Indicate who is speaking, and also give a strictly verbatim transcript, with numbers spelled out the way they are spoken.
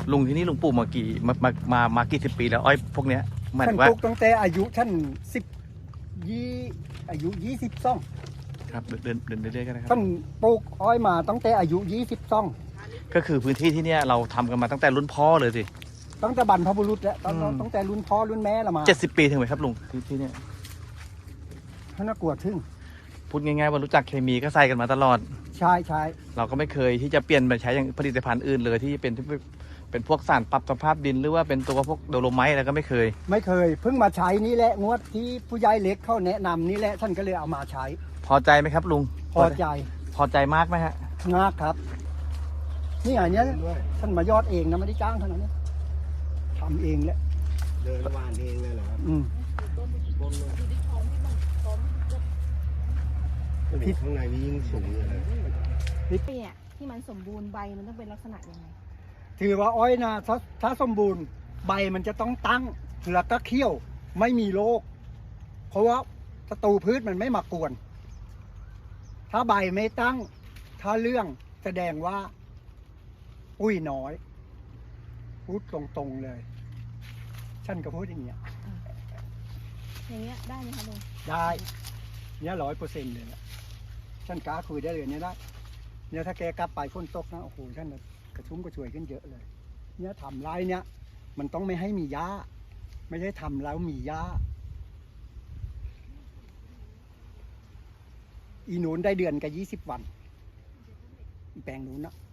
Speaker 1: ลุงที่นี่ลุงปลูกมากี่มามามามากี่สิบปีแล้วอ้อยพวกเนี้ยหมาย
Speaker 2: ฉั
Speaker 1: ถึ
Speaker 2: น
Speaker 1: งว่า
Speaker 2: ปลูกตั้งแต่อายุฉันสิบยี่อายุยี่สิบสอง
Speaker 1: ครับเดินเดินเดินเรื่อยๆกันนะครั
Speaker 2: ฉั
Speaker 1: บ
Speaker 2: นปลูกอ้อยมาตั้งแต่อายุยี่สิบสอง
Speaker 1: ก็คือพื้นที่ที่เนี้ยเราทำกันมาตั้งแต่รุ่นพ่อเลยสิ
Speaker 2: ตั้งแต่บรรพบุรุษแล้วตอน
Speaker 1: อืม
Speaker 2: ตั้งแต่รุ่นพ่อรุ่นแม่ละมา
Speaker 1: เจ็ดสิบปีถึงไหมครับลุงที่ที่เนี้ย
Speaker 2: ท่านน่ากลัวทึ่ง
Speaker 1: พูดง่ายๆว่ารู้จักเคมีก็ใส่กันมาตลอด
Speaker 2: ใช่ใช่
Speaker 1: เราก็ไม่เคยที่จะเปลี่ยนไปใช้อย่างผลิตภัณฑ์อื่นเลยที่เป็นที่เป็นพวกสารปรับสภาพดินหรือว่าเป็นตัวพวกโดโลไมต์อะไรก็ไม่เคย
Speaker 2: ไม่เคยเพิ่งมาใช้นี่แหละงวดที่ผู้ใหญ่เล็กเขาแนะนำนี่แหละท่านก็เลยเอามาใช้
Speaker 1: พอใจไหมครับลุง
Speaker 2: พอใจ
Speaker 1: พอใจมากไหมฮะ
Speaker 2: มากครับ นี่ไงเนี้ยท่านมายอดเองนะไม่ได้จ้างเท่านั้นนะทำเองแหละ
Speaker 3: เดินวานเองเลยเหรอครับ
Speaker 2: อืม
Speaker 3: พิษข้างในนี้ยิ่งสูงเลยนะ
Speaker 4: เนี่ยที่มันสมบูรณ์ใบมันต้องเป็นลักษณะยังไง
Speaker 2: ถือว่าอ้อยนะถ้าถ้าสมบูรณ์ใบมันจะต้องตั้งแล้วก็เขี้ยวไม่มีโรคเพราะว่าศัตรูพืชมันไม่มากวน ถ้าใบไม่ตั้ง ถ้าเรื่องแสดงว่าอุ้ยน้อยพูดตรงๆเลย ฉันก็พูดอย่างเงี้ย
Speaker 4: อย่างเงี้ยได้ไหมคะลุง
Speaker 2: ได้เนี่ยร้อยเปอร์เซ็นต์เลยนะฉันกล้าคุยได้เลยเนี่ยได้เนี่ยถ้าแกกลับไปฝนตกนะโอ้โหฉันน่ะกระชุ่มกระชวยขึ้นเยอะเลย เนี่ยทำไรเนี่ย มันต้องไม่ให้มีหญ้า ไม่ใช่ทำแล้วมีหญ้า อีหนูนได้เดือนกับยี่สิบวันอีแปลงนู้นนะ